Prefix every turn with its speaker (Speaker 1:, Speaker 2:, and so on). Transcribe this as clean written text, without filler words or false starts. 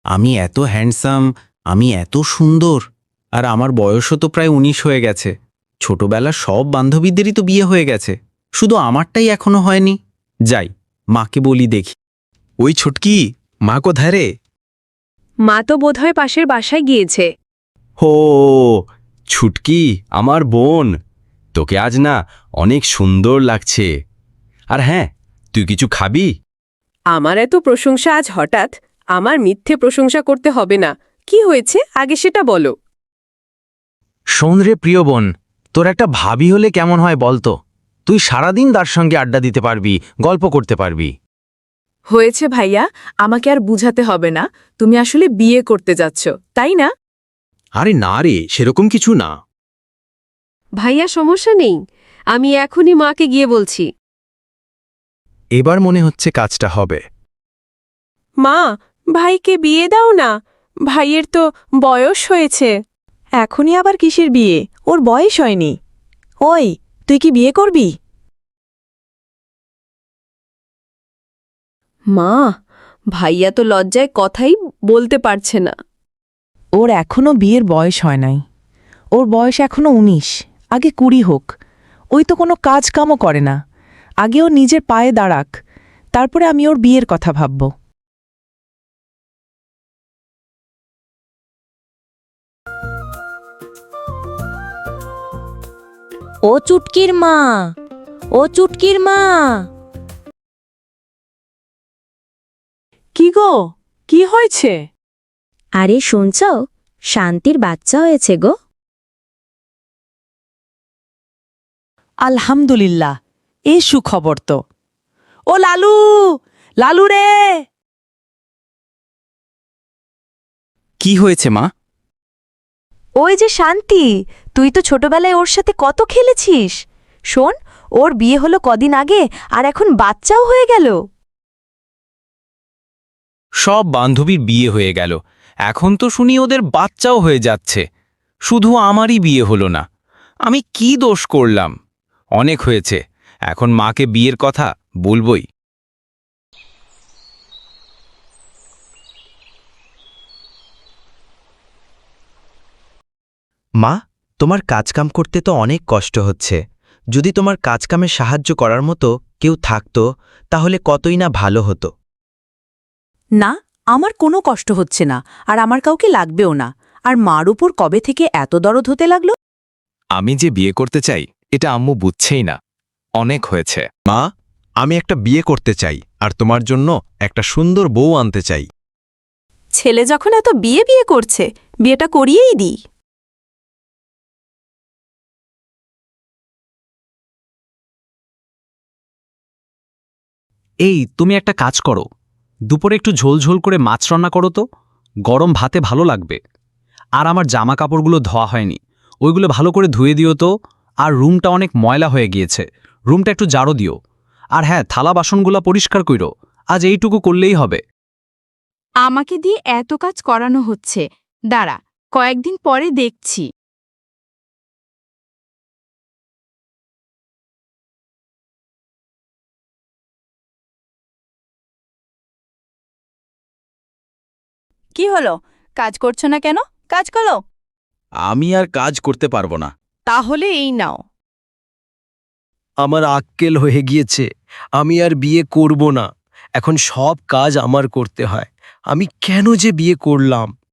Speaker 1: আমি এত হ্যান্ডসাম, আমি এত সুন্দর, আর আমার বয়সও তো প্রায় ১৯ হয়ে গেছে। ছোটবেলার সব বান্ধবীদেরই তো বিয়ে হয়ে গেছে, শুধু আমারটাই এখনো হয়নি। যাই, মাকে বলি দেখি।
Speaker 2: ওই ছুটকি, মা কোথায় রে?
Speaker 3: মা তো বোধহয় পাশের বাসায় গিয়েছে।
Speaker 2: হো, ছুটকি আমার বোন, তোকে আজ না অনেক সুন্দর লাগছে। আর হ্যাঁ, তুই কিছু খাবি?
Speaker 3: আমার এত প্রশংসা আজ হঠাৎ? আমার মিথ্যে প্রশংসা করতে হবে না। কি হয়েছে আগে সেটা বলো।
Speaker 4: শোন রে প্রিয় বোন, তোর একটা ভাবি হলে কেমন হয় বলতো? তুই সারাদিন তার সঙ্গে আড্ডা দিতে পারবি, গল্প করতে পারবি।
Speaker 5: হয়েছে ভাইয়া, আমাকে আর বুঝাতে হবে না। তুমি আসলে বিয়ে করতে যাচ্ছ, তাই না?
Speaker 2: আরে না রে, সেরকম কিছু না।
Speaker 3: ভাইয়া সমস্যা নেই, আমি এখনই মাকে গিয়ে বলছি।
Speaker 2: এবার মনে হচ্ছে কাজটা হবে।
Speaker 5: মা, ভাইকে বিয়ে দাও না। ভাইয়ের তো বয়স হয়েছে। এখনই আবার কিসের বিয়ে? ওর বয়স হয়নি। ওই, তুই কি বিয়ে করবি?
Speaker 3: মা, ভাইয়া তো লজ্জায় কথাই বলতে পারছে না।
Speaker 6: ওর এখনো বিয়ের বয়স হয় নাই। ওর বয়স এখনো ১৯, আগে ২০ হোক। ওই তো কোনো কাজ কামও করে না। আগে ও নিজের পায়ে দাঁড়াক, তারপরে আমি ওর বিয়ের কথা ভাবব।
Speaker 7: ও চুটকির মা, ও চুটকির মা।
Speaker 5: কি গো, কি হয়েছে?
Speaker 7: আরে শুনছ, শান্তির বাচ্চা হয়েছে গো।
Speaker 6: আলহামদুলিল্লাহ, এ সুখবর তো। ও লালু, লালু রে!
Speaker 1: কি হয়েছে মা?
Speaker 7: ওই যে শান্তি, তুই তো ছোটবেলায় ওর সাথে কত খেলেছিস। শোন, ওর বিয়ে হলো কদিন আগে, আর এখন বাচ্চাও হয়ে গেল।
Speaker 1: সব বান্ধবীর বিয়ে হয়ে গেল, এখন তো শুনি ওদের বাচ্চাও হয়ে যাচ্ছে। শুধু আমারই বিয়ে হলো না। আমি কি দোষ করলাম? অনেক হয়েছে, এখন মাকে বিয়ের কথা বলবই।
Speaker 8: মা, তোমার কাজকাম করতে তো অনেক কষ্ট হচ্ছে। যদি তোমার কাজকামে সাহায্য করার মতো কেউ থাকতো, তাহলে কতই না ভালো হতো।
Speaker 6: না, আমার কোনো কষ্ট হচ্ছে না, আর আমার কাউকে লাগবেও না। আর মার উপর কবে থেকে এত দরদ হতে লাগলো?
Speaker 2: আমি যে বিয়ে করতে চাই, এটা আম্মু বুঝছেই না। অনেক হয়েছে। মা, আমি একটা বিয়ে করতে চাই, আর তোমার জন্য একটা সুন্দর বউ আনতে চাই।
Speaker 5: ছেলে যখন এত বিয়ে বিয়ে করছে, বিয়েটা করিয়েই দিই।
Speaker 9: এই, তুমি একটা কাজ করো, দুপুরে একটু ঝোল ঝোল করে মাছ রান্না করো তো। গরম ভাতে ভালো লাগবে। আর আমার জামা কাপড়গুলো ধোয়া হয়নি, ওইগুলো ভালো করে ধুয়ে দিও তো। আর রুমটা অনেক ময়লা হয়ে গিয়েছে, রুমটা একটু জারো দিও। আর হ্যাঁ, থালা বাসনগুলো পরিষ্কার কইরো। আজ এইটুকু করলেই হবে।
Speaker 10: আমাকে দিয়ে এত কাজ করানো হচ্ছে, দাঁড়া, কয়েকদিন পরে দেখছি।
Speaker 5: কি হলো, কাজ করছো না কেন? কাজ করো।
Speaker 2: আমি আর কাজ করতে পারবো না।
Speaker 5: তাহলে এই নাও।
Speaker 8: আমার আক্কেল হয়ে গিয়েছে। আমি আর বিয়ে করব না। এখন সব কাজ আমার করতে হয়। আমি কেন যে বিয়ে করলাম?